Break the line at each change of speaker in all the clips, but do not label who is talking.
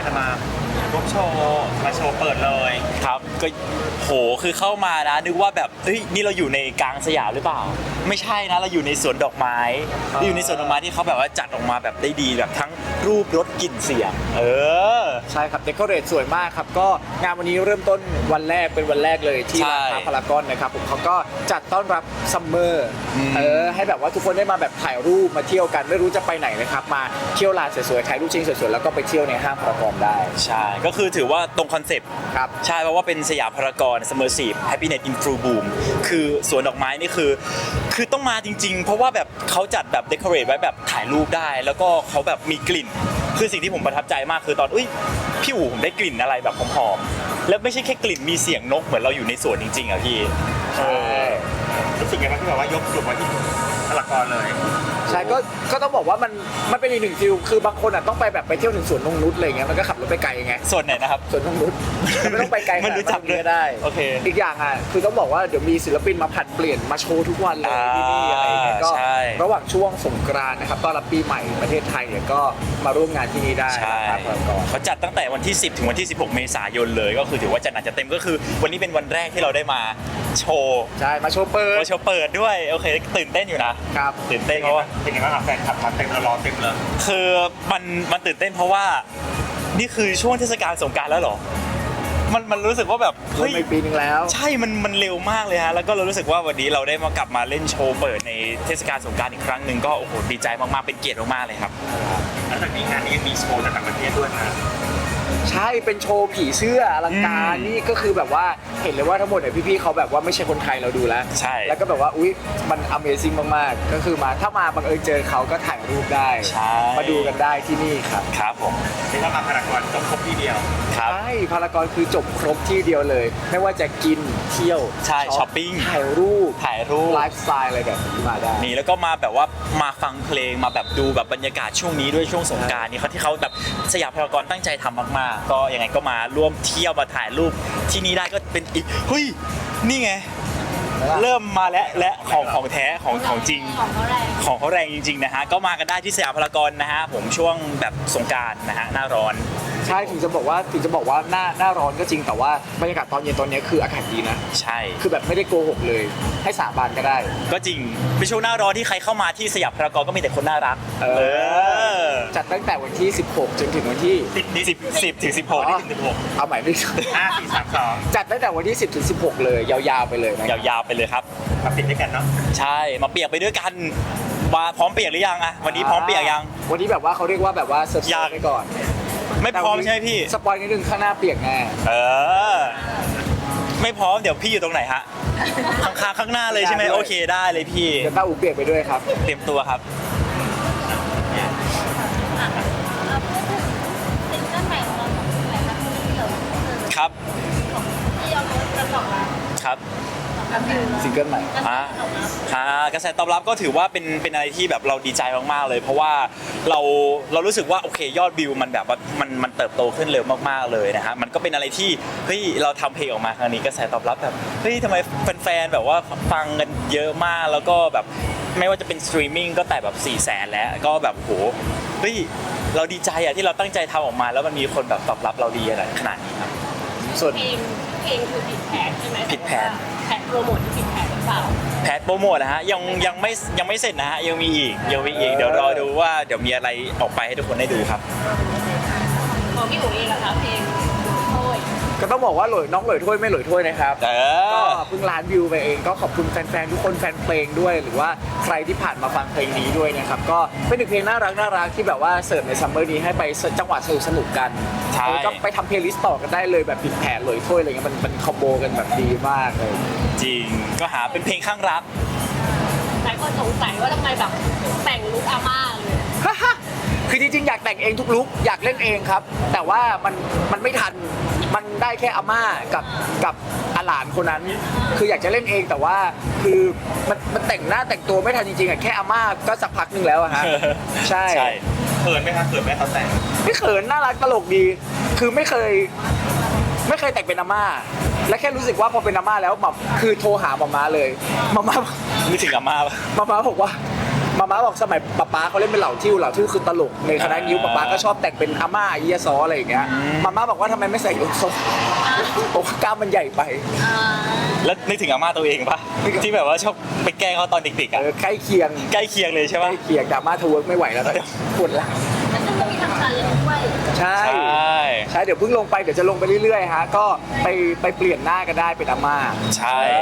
จะมาร่วมโชว์มาโชว์เปิดเลย
ครับก็โหคือเข้ามานะนึกว่าแบบเฮ้ยนี่เราอยู่ในกลางสยามหรือเปล่าไม่ใช่นะเราอยู่ในสวนดอกไม้เราอยู่ในสวนดอกไม้ที่เขาแบบว่าจัดออกมาแบบได้ดีแบบทั้งรูปรสกลิ่นเสียง
ใช่ครับเดคอเรทสวยมากครับก็งานวันนี้เริ่มต้นวันแรกเป็นวันแรกเลยที่ร้านค้าพารากอนนะครับผมเขาก็จัดต้อนรับซัมเมอร์ให้แบบว่าทุกคนได้มาแบบถ่ายรูปมาเที่ยวกันไม่รู้จะไปไหนนะครับมาเที่ยวลานสวยๆถ่ายรูปชิงสวยๆแล้วก็ไปเที่ยวในห้างพารากอนได้
ใช่ก็คือถือว่าตรงคอนเซปต์
ครับ
ใช่เพราะว่าเป็นสยามพารากอน Immersive Happiness in Full Bloom คือสวนดอกไม้นี่คือต้องมาจริงๆเพราะว่าแบบเขาจัดแบบเดคอเรทไว้แบบถ่ายรูปได้แล้วก็เขาแบบมีกลิ่นคือสิ่งที่ผมประทับใจมากคือตอนพี่อู๋ผมได้กลิ่นอะไรแบบหอมๆแล้วไม่ใช่แค่กลิ่นมีเสียงนกเหมือนเราอยู่ในสวนจริงๆอ่ะพี่
รู้สึกไงบ้างที่แบบว่ายกสุดไว้ที่พารากอนเลย
ใช่ก็ต้องบอกว่ามันเป็นอีกหนึ่งฟิลคือบางคนอ่ะต้องไปแบบไปเที่ยวถึงสวนนงนุชอะไรเงี้ยมันก็ขับรถไปไกลไง
ส่วนไหนนะครับ
สวนนงนุชไม่ต้องไปไกล
มันรู้จักเลย
ได้
โอเค
อีกอย่างอ่ะคือต้องบอกว่าเดี๋ยวมีศิลปินมาผัดเปลี่ยนมาโชว์ทุกวันเลยที่นี่อะไรเงี้ยก็ระหว่างช่วงสงกรานต์นะครับต้อนรับปีใหม่ประเทศไทยเนี่ยก็มาร่วมงานที่นี่ได้
นะครับเขาจัดตั้งแต่วันที่10ถึงวันที่16เมษายนเลยก็คือถือว่าจัดหนักจัดเต็มก็คือวันนี้เป็นวันแรกที่เราได้มาโชว์
ใช่มาโชว์เปิด
ด้วยโอเคตื่นเต้นอยู่นะครับตื่นเต้นเพราะว่า
เป็นไงบ้างแฟนคลับมาเต็มรอเต็มเลย
คือมันตื่นเต้นเพราะว่านี่คือช่วงเทศกาลสงกรานต์แล้วเหรอมันรู้สึกว่าแบบ
เฮ้ยปีนึงแล้ว
ใช่มันเร็วมากเลยฮะแล้วก็เรารู้สึกว่าวันนี้เราได้มากลับมาเล่นโชว์เปิดในเทศกาลสงกรานต์อีกครั้งหนึ่งก็โอ้โหดีใจมากๆเป็นเกียรติมากๆเลยครับ
แล้วจากนี้งานนี้ยังมีโชว์จากต่างประเทศด้วยนะ
ใช่เป็นโชว์ผีเสื้ออลังการนี่ก็คือแบบว่าเห็นเลยว่าทั้งหมดเนี่ยพี่ๆเขาแบบว่าไม่ใช่คนไทยเราดูแล้ว
ใช่
แล้วก็แบบว่าอุ๊ยมัน Amazing มากๆก็คือมาถ้ามาบังเอิญเจอเขาก็ถ่ายรูปได้มาดูกันได้ที่นี่ครับ
ครับผม
ที่ถ้ามาพารากอนจบครบที่เดียว
ใช่พารากอนคือจบครบที่เดียวเลยไม่ว่าจะกินเที่ยว
ใช่ช้อปปิ้ง
ถ่ายรูปไลฟ์สไตล์อะไรแบบนี้มาได้
นี่แล้วก็มาแบบว่ามาฟังเพลงมาแบบดูแบบบรรยากาศช่วงนี้ด้วยช่วงสงกรานต์นี่เขาที่เขาแบบสยามพารากอนตั้งใจทำมากๆก็ยังไงก็มาร่วมเที่ยวมาถ่ายรูปที่นี่ได้ก็เป็นอีกเฮ้ยนี่ไงเริ่มมาและของแท้ของจริงของเขาแรงจริงๆนะฮะก็มากันได้ที่สยามพารากอนนะฮะผมช่วงแบบสงกรานต์นะฮะหน้าร้อน
ใช่ถึงจะบอกว่าหน้าร้อนก็จริงแต่ว่าบรรยากาศตอนเย็นตอนนี้คืออากาศดีนะ
ใช่
คือแบบไม่ได้โกหกเลยให้สาบานก็ได้
ก็จริงเป็นช่วงหน้าร้อนที่ใครเข้ามาที่สยามพารากอนก็มีแต่คนน่ารัก
จัดตั้งแต่วันที่16จนถึงวันที่
10ถึง16
เอาใหม่ไม่ถูก
5 4 3 2
จัดตั้งแต่วันที่10ถึง16เลยยาวๆไปเลยนะ
ยาวๆไปเลยครับ
มาปิดด้วยกันเนาะ
ใช่มาเปียกไปด้วยกันมาพร้อมเปียกหรือยังอะวันนี้พร้อมเปียกยัง
วันนี้แบบว่าเขาเรียกว่าแบบว่าเซอร์ไพรส์ไปก่อน
ไม่พร้อมใช่ไหมพี่
สปอยนิดนึงข้างหน้าเปียกแน่
ไม่พร้อมเดี๋ยวพี่อยู่ตรงไหนฮะข้างหน้าเลยใช่ไหมโอเคได้เลยพี่
เดี๋ยวต้าอูเปียกไปด้วยครับ
เตรียมตัวครับครับครับ
ซิงเกิลใหม่
กระแสตอบรับก็ถือว่าเป็นอะไรที่แบบเราดีใจมากๆเลยเพราะว่าเรารู้สึกว่าโอเคยอดวิวมันแบบว่ามันเติบโตขึ้นเร็วมากๆเลยนะฮะมันก็เป็นอะไรที่เฮ้ยเราทำเพลงออกมาครั้งนี้กระแสตอบรับแบบเฮ้ยทำไมแฟนๆแบบว่าฟังกันเยอะมากแล้วก็แบบไม่ว่าจะเป็นสตรีมมิ่งก็แต่แบบ400,000แล้วก็แบบโหเฮ้ยเราดีใจอะที่เราตั้งใจทำออกมาแล้วมันมีคนแบบตอบรับเราดีขนาดนี้ครับ
ส่วนเพลงคือผิดแผนใช่ไหม
ผิดแผน
โปรโมทที่ผิดแผนหรือเปล่า
แพทโปรโมทนะฮะยังไม่เสร็จนะฮะยังมีอีกเดี๋ยวรอดูว่าเดี๋ยวมีอะไรออกไปให้ทุกคนได้ดูครับ
ของพี่อุ๋ยเองนะคะเพลงโอ้ย
ก็ต้องบอกว่าน้องหลอยถ้วยไม่หลอยถ้วยนะครับก็เพิ่งล้านวิวไปเองก็ขอบคุณแฟนๆทุกคนแฟนเพลงด้วยหรือว่าใครที่ผ่านมาฟังเพลงนี้ด้วยนะครับก็เป็นหนึ่งเพลงน่ารักที่แบบว่าเสิร์ฟในซัมเมอร์นี้ให้ไปจังหวะสนุกกันก็ไปทำเพลย์ลิสต์ต่อกันได้เลยแบบผิดแผนหลอยถ้วยอะไรเงี้ยมันคอมโบกันแบบดีมากเลย
จริงก็หาเป็นเพลงข้างรัก
หลายคนสงสัยว่าทำไมแบบแต่งลุคอาม่าเลย
คือจริงๆอยากแต่งเองทุกลุคอยากเล่นเองครับแต่ว่ามันไม่ทันมันได้แค่อาม่ากับอาหลานคนนั้นคืออยากจะเล่นเองแต่ว่าคือมันแต่งหน้าแต่งตัวไม่ทันจริงๆอ่ะแค่อาม่าก็สักพักนึงแล้วอะฮะใช่
เขินไหมครับเขินไหมเขาแต่ง
ไม่เขินน่ารักตลกดีคือไม่เคยแต่งเป็นอาม่าและแค่รู้สึกว่าพอเป็นอาม่าแล้วแบบคือโทรหามาม่าเลยมาม่า
ไม่ถึงอาม่า
บอกว่ามาม่าบอกสมัยป๊าเขาเล่นเป็นเหล่าทิ่วคือตลกในคณะนิ้วป๊าก็ชอบแต่งเป็นอาม่าเอียซออะไรอย่างเงี้ยมาม่าบอกว่าทำไมไม่ใส่ยกทรงบอกว่ากล้ามมันใหญ่ไป
แล้วนึกถึงอาม่าตัวเองปะที่แบบว่าชอบไปแกล้งเขาตอนเด็กๆอ่ะ
ใกล้เคียง
ใกล้เคียงเลยใช่
ใก
ปะ
ล้เคียงดราม่าทเวิร์กไม่ไหวแล้วตอนนี้ปวดหลัง
แล้วซึ่งก็มีทำการเล่นด้วย
ใช่
ใช่
เดี๋ยวเพิ่งลงไปเดี๋ยวจะลงไปเรื่อยๆฮะก็ไปเปลี่ยนหน้าก็ได้เป็นอาม่า
ใช่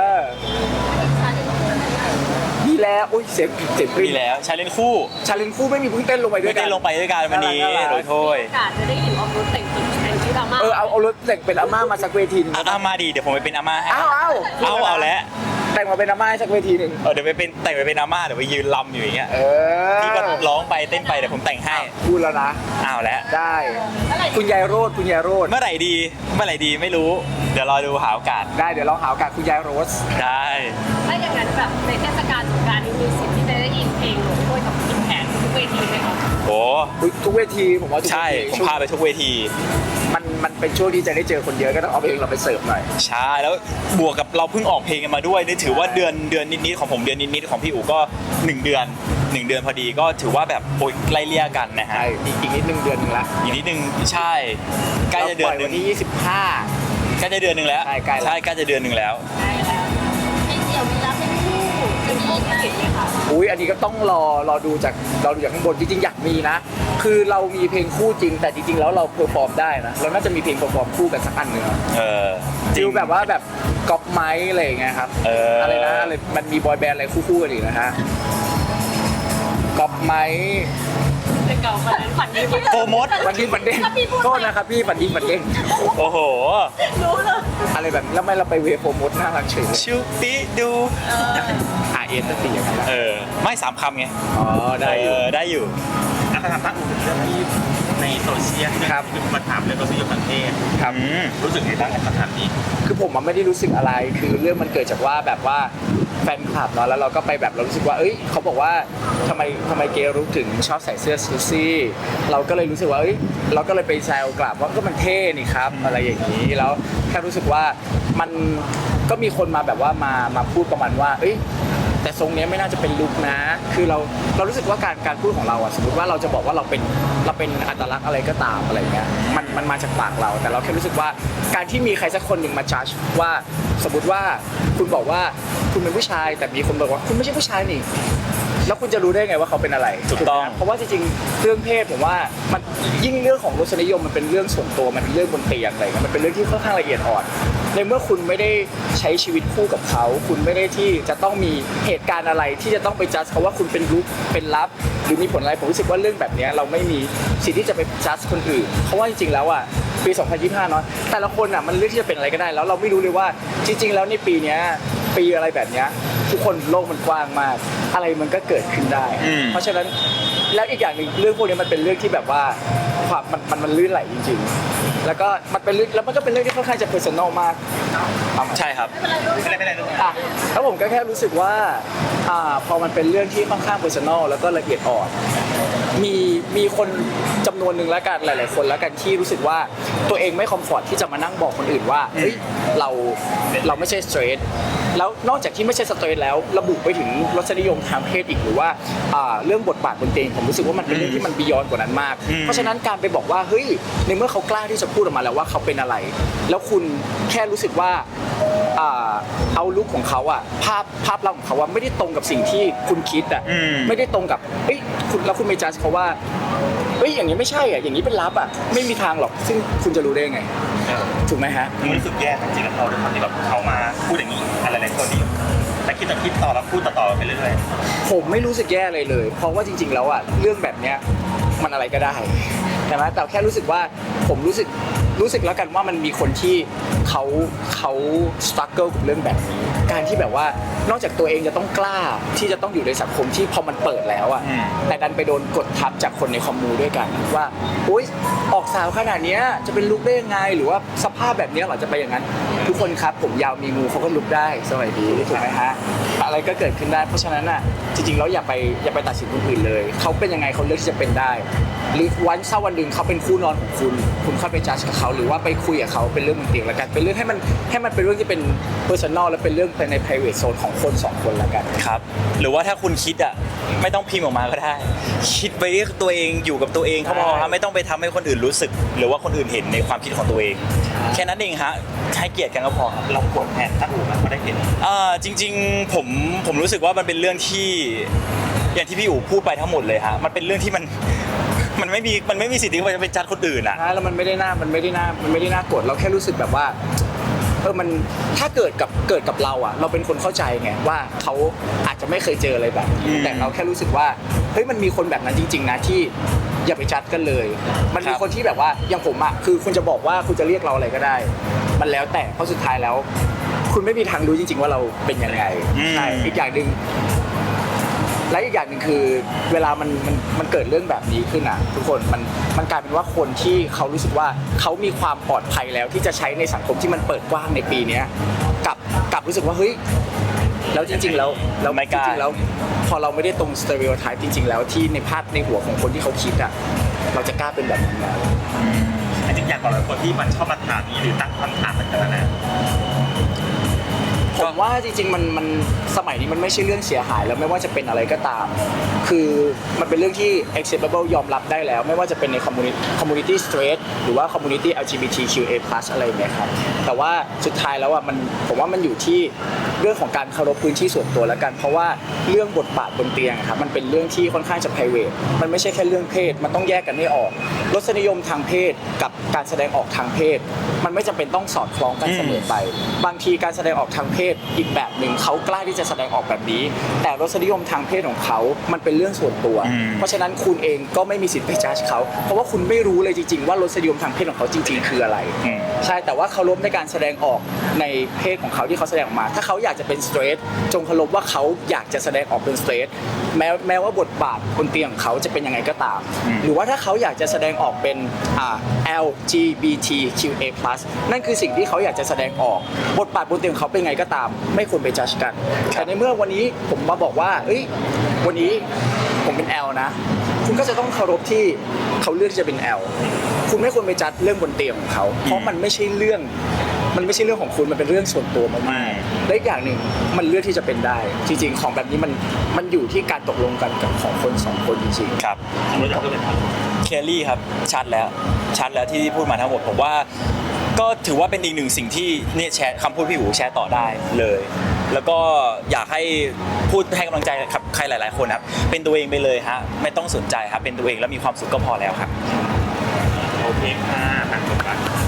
ดีแล้วอุ้ยเสียงกรี๊
มี
ด
แล้วชาเลนคู่
ชาเลนคู่ไม่มีเพิ่งเต้นลงไปด้ว
ไม่
ยกั
ได้
น
ลงไปด้วยกันวันนี้
น่ารัก
โดยโทษ
โอกาสจะได้เห็นออฟโรดแต่งตัวเป็นชื่อดราม่า
เอารถแต่งเป็นอาม่ามาสักเวทีหนึง
อาม่าดีเดี๋ยวผมไปเป็นอาม่าให้
เอา
เอาแล้ว
แต่งมาเป็นอาม่าให้สักเวทีหนึ่ง
เดี๋ยวไปเป็นแต่งไปเป็นอาม่าเดี๋ยวไปยืนลำอยู่อย่างเงี้ย
เออ
พี่ก็ร้องไปเต้นไปเดี๋ยวผมแต่งให้
พูดแล้วนะ
เอาแล้ว
ได้
เมื่อไหร่
คุณยายโรดคุณยายโรด
เมื่อไหร่ดีไม่รู้ เดี๋ยวรอดูหาโอกาส
ได้เดี๋ยวเราหาโอกาสคุณยายโรส
ได้
ถ้าอย่างนั้นแบบในเทศกาลสงกรานต์นี้มีสิทธิ์ที่จะได้ยินเพลงหลงด้วยกับกินแผนทุกเวทีไหมคะ
โอ้
ทุกเวทีผมว่าทุกเวที
ใช่ผม
ช่วง
พาไปทุกเวที
มันเป็นช่วงที่จะได้เจอคนเยอะก็ต้องเอาเพลงเราไปเสิร์ฟหน่อย
ใช่แล้วบวกกับเราเพิ่งออกเพลงกันมาด้วยนี่ถือว่าเดือนนิดๆของผมเดือนนิดๆของพี่อู๋ก็1 เดือนพอดีก็ถือว่าแบบโอ้ยไล่เลี่ยกันนะฮะ
ใช่อีกนิดนึงเดือนหนึงละ
อีกนิดนึงใช่ใกล้จะเดือนห
ราปล่ย
นึ
วั
ง
นที่ 25
ใกล้จะเดือนหนึงแล้ว
ใช่ใกล้แล้ว
ใกล้จะเดือนหนึงแล้ว
ได้แล้วเพลงเดี่ยวมีรับเป็นคู่จะมีอีกไหมคะ
อุ้ยอันนี้ก็ต้องรอดูจากข้างบนจริงๆอยากมีนะ คือเรามีเพลงคู่จริง แต่จริงๆแล้วเราเพอร์ฟอร์มได้นะเราน่าจะมีเพลงเพอร์ฟอร์มคู่กันสักอันหนึ่งอะ
เออ
ฟิลแบบว่าแบบก๊อปไม้อะไรอย่างเงี้ยครับ อะไรนะอะไรมันมีบอยแบนด์อะไรคู่ๆกันอีกนะฮะก๊อปไม้
เป็นเก่าฝันนั้นฝันดี
โปรโมท
ฝันดีฝันเด้ง
ถ้าพี่พูด
โทษนะครับพี่ฝันดีฝันเด้ง
โอ้โห
รู้เลย
อะไรแบบแล้วไม่เราไปเวฟโปรโมทน่ารักเฉยเลย
ชิวปิดู
RS ตั้งแต่ยังไงล่ะ
ไม่3 คำไง
อ๋อได้อยู่
ได้อยู่
อาคำถามตั้งเรื่องที่ในโซเชียลที่
ครับ
คือมาถามเรื่องรสนิยมทางเพศ
ครับ
อืม
รู้สึกไงบ้างกับคำถามนี้
คือผมมันไม่ได้รู้สึกอะไร คือเรื่องมันเกิดจากว่าแบบว่าแฟนคลับเนาะ แล้วเราก็ไปแบบเรารู้สึกว่า เอ้ยเขาบอกว่าทำไมเกย์รู้ถึงชอบใส่เสื้อซูซี่ เราก็เลยรู้สึกว่า เอ้ย เราก็เลยไปแซวกลับว่าก็มันเท่นี่ครับ อะไรอย่างนี้ แล้วแค่รู้สึกว่ามันก็มีคนมาแบบว่ามาพูดประมาณว่า เอ้ย แต่ทรงเนี้ยไม่น่าจะเป็นลุคนะ คือเรารู้สึกว่าการพูดของเราอะสมมติว่าเราจะบอกว่าเราเป็นอัตลักษณ์อะไรก็ตามอะไรเงี้ยมันมาจากปากเรา แต่เราแค่รู้สึกว่าการที่มีใครสักคนหนึ่งมาจัดว่าสมมติว่าคุณบอกว่าคุณเป็นผู้ชาย แต่มีคนบอกว่าคุณไม่ใช่ผู้ชายนี่ แล้วคุณจะรู้ได้ไงว่าเขาเป็นอะไร
ถูกต้อง
เพราะว่าจริงๆเรื่องเพศผมว่ามันยิ่งเรื่องของรสนิยมมันเป็นเรื่องส่วนตัวมันเป็นเรื่องบนเตียงอะไรเงี้ยมันเป็นเรื่องที่ค่อนข้างละเอียดอ่อนในเมื่อคุณไม่ได้ใช้ชีวิตคู่กับเขา คุณไม่ได้ที่จะต้องมีเหตุการณ์อะไรที่จะต้องไปจัดเขาว่าคุณเป็นรุกเป็นลับ หรือมีผลอะไรผมรู้สึกว่าเรื่องแบบเนี้ยเราไม่มีสิทธิ์ที่จะไปจัดคนอื่นเพราะว่าจริงๆแล้วอ่ะปี 2025 เนาะแต่ละคนอ่ะมันเลือกที่จะเป็นอะไรก็ได้แล้วเราไม่รู้เลยว่าจริง ๆ แล้วในปีเนี้ยปีอะไรแบบเนี้ยทุกคนโลกมันกว้างมาก อะไรมันก็เกิดขึ้นได้ เพราะฉะนั้นแล้วอีกอย่างหนึ่งเรื่องพวกนี้มันเป็นเรื่องที่แบบว่าความมันลื่นไหลจริงๆ แล้วก็มันเป็นเรื่องแล้วมันก็เป็นเรื่องที่ค่อนข้างจะเพอร์ซันอลมาก
ใช่ครับ
ไม่เป็นไรลูก
อ่ะแล้วผมก็แค่รู้สึกว่าพอมันเป็นเรื่องที่ค่อนข้างเพอร์ซันอลแล้วก็ละเอียดอ่อนมีคนจำนวนหนึ่งแล้วกันหลายๆคนแล้วกันที่รู้สึกว่าตัวเองไม่คอมฟอร์ตที่จะมานั่งบอกคนอื่นว่าเฮ้ยเราไม่ใช่สเตรทแล้วนอกจากที่ไม่ใช่สเตรทแล้วระบุไปถึงรสนิยมทางเพศอีกหรือว่าเรื่องบทบาทบนเตียงผมรู้สึกว่ามันเป็นเรื่องที่มันบียอนกว่านั้นมาก เพราะฉะนั้นการไปบอกว่าเฮ้ยในเมื่อเขากล้าที่จะพูดออกมาแล้วว่าเขาเป็นอะไร แล้วคุณแค่รู้สึกว่าเอาลุคของเขาอะภาพลักษณ์ของเขาว่าไม่ได้ตรงกับสิ่งที่คุณคิดอะไม่ได้ตรงกับเอ้ยคุณแล้วคุณไปจัดเขาว่าเอ้ยอย่างนี้ไม่ใช่อะอย่างนี้เป็นลับอะไม่มีทางหรอกซึ่งคุณจะรู้ได้ไงถูกไหมฮะ
มันรู้สึกแย่จริงๆกับเขาด้วยความที่แบบเขามาพูดอย่างนี้อะไรหลายคนที่แต่คิดต่อแล้วพูดต่อไปเรื่อย
ผมไม่รู้สึกแย่เลยเลย เพราะว่าจริงๆแล้วอะเรื่องแบบเนี้ยมันอะไรก็ได้ใช่ไหมแต่แค่รู้สึกว่าผมรู้สึกแล้วกันว่ามันมีคนที่เขาสตรัคเกิลกับเรื่องแบบนี้การที่แบบว่านอกจากตัวเองจะต้องกล้าที่จะต้องอยู่ในสังคมที่พอมันเปิดแล้วอะแต่ดันไปโดนกดทับจากคนในคอมมูด้วยกันว่าอุ๊ยออกสาวขนาดเนี้ยจะเป็นลุคได้ยังไงหรือว่าสภาพแบบเนี้ยเหรอจะไปอย่างนั้นทุกคนครับผมยาวมีงูเขาก็ลุกได้สวัสดีถูกไหมฮะอะไรก็เกิดขึ้นได้เพราะฉะนั้นอ่ะจริงๆแล้วอย่าไปตัดสินคนอื่นเลยเขาเป็นยังไงเขาเลือกที่จะเป็นได้หรือวันหนึ่งเขาเป็นคู่นอนของคุณเข้าไปจัดกับเขาหรือว่าไปคุยกับเขาเป็นเรื่องบนเตียงแล้วกันเป็นเรื่องให้มันเป็นเรื่องที่เป็น personal และเป็นเรื่องใน private zone ของคนสองคนแล้วกัน
ครับหรือว่าถ้าคุณคิดอ่ะไม่ต้องพิมพ์ออกมาก็ได้ คิดไปเรียกตัวเองอยู่กับตัวเองเขาพอครับไม่ต้องไปทำให้คนอื่นรู้สึก หรือว่าคนอื่นเห็นในความคิดของตัวเอง แค่นั้นเองฮะให้เกียรติกันก็พอครับ
เรากดแทนถ้าอู๋มันก็ได้เห็น
จริงๆผมรู้สึกว่ามันเป็นเรื่องที่อย่างที่พี่อู๋พูดไปทั้งหมดเลยฮะมันเป็นเรื่องที่มันไม่มีสิทธิ์ที่จะไปจัดคนอื่นอ่ะ
แล้วมันไม่ได้น่ากดเราแค่รู้สึกแบบว่ามันถ้าเกิดกับเราอ่ะเราเป็นคนเข้าใจไงว่าเขาอาจจะไม่เคยเจออะไรแบบนี้แต่เราแค่รู้สึกว่าเฮ้ยมันมีคนแบบนั้นจริงๆนะที่อย่าไปจัดกันเลย มันมีคนที่แบบว่าอย่างผมอ่ะคือคุณจะบอกว่าคุณจะเรียกเราอะไรก็ได้ มันแล้วแต่เพราะสุดท้ายแล้ว คุณไม่มีทางรู้จริงๆว่าเราเป็นยังไงใช่อีกอย่างหนึ่งและอีกอย่างหนึ่งคือเวลามันเกิดเรื่องแบบนี้ขึ้นอ่ะทุกคนมันกลายเป็นว่าคนที่เขารู้สึกว่าเขามีความปลอดภัยแล้วที่จะใช้ในสังคมที่มันเปิดกว้างในปีนี้กลับรู้สึกว่าเฮ้ยแล้วจริงๆแล้ว
ไม่กล้า
จริงๆแล้วพอเราไม่ได้ตรงสเตอริโอไทป์จริงๆแล้วที่ในภาพในหัวของคนที่เขาคิดอ่ะเราจะกล้าเป็นแบบนั้นแล้ว
จริงๆอยากบอกเลยคนที่มันชอบมาถามนี้หรือตั้งคำถามต่างๆนะ
ผมว่าจริงๆมันสมัยนี้มันไม่ใช่เรื่องเสียหายแล้วไม่ว่าจะเป็นอะไรก็ตาม คือมันเป็นเรื่องที่ acceptable ยอมรับได้แล้ว ไม่ว่าจะเป็นใน community straight หรือว่า community LGBTQA+ อะไรอย่างเงี้ยครับแต่ว่าสุดท้ายแล้วอ่ะผมว่ามันอยู่ที่เรื่องของการเคารพพื้นที่ส่วนตัวแล้วกันเพราะว่าเรื่องบทบาทบนเตียงครับมันเป็นเรื่องที่ค่อนข้างจะ private มันไม่ใช่แค่เรื่องเพศมันต้องแยกกันให้ออกรสนิยมทางเพศกับการแสดงออกทางเพศมันไม่จำเป็นต้องสอดคล้องกันเสมอไปบางทีการแสดงออกทางเพศอีกแบบหนึ่งเขากล้าที่จะแสดงออกแบบนี้แต่รสนิยมทางเพศของเขามันเป็นเรื่องส่วนตัวเพราะฉะนั้นคุณเองก็ไม่มีสิทธิ์ไปจัดเขาเพราะว่าคุณไม่รู้เลยจริงๆว่ารสนิยมทางเพศของเขาจริงๆคืออะไรใช่แต่ว่าเคารพในการแสดงออกในเพศของเขาที่เขาแสดงออกมาถ้าเขาอยากจะเป็นสเตรทจงเคารพว่าเขาอยากจะแสดงออกเป็นสเตรทแม้ว่าบทบาทบนเตียงของเขาจะเป็นยังไงก็ตามหรือว่าถ้าเขาอยากจะแสดงออกเป็นLGBTQA+ นั่นคือสิ่งที่เขาอยากจะแสดงออกบทบาทบนเตียงของเขาเป็นไงก็ตามไม่ควรไปจัดกันแต่ในเมื่อวันนี้ผมมาบอกว่าเอ้ยวันนี้ผมเป็น L นะคุณก็จะต้องเคารพที่เขาเลือกที่จะเป็น L คุณไม่ควรไปจัดเรื่องบนเตียงของเขาเพราะมันไม่ใช่เรื่องของคุณมันเป็นเรื่องส่วนตัวมากๆและอีกอย่างหนึ่งมันเลือกที่จะเป็นได้จริงๆของแบบนี้มันอยู่ที่การตกลงกันกับของคนสองคนจริงๆ
ครับ
รู้จักก็เป็น
เคลลี่ครับชัดแล้วที่พูดมาทั้งหมดผมว่าก็ถือว่าเป็นอีกหนึ่งสิ่งที่เนี่ยแชร์คำพูดพี่หูแชร์ต่อได้เลย แล้วก็อยากให้พูดให้กำลังใจกับใครหลายๆคนครับเป็นตัวเองไปเลยฮะไม่ต้องสนใจครับเป็นตัวเองแล้วมีความสุขก็พอแล้วครับ
โอเคค่ะต่างคนต่าง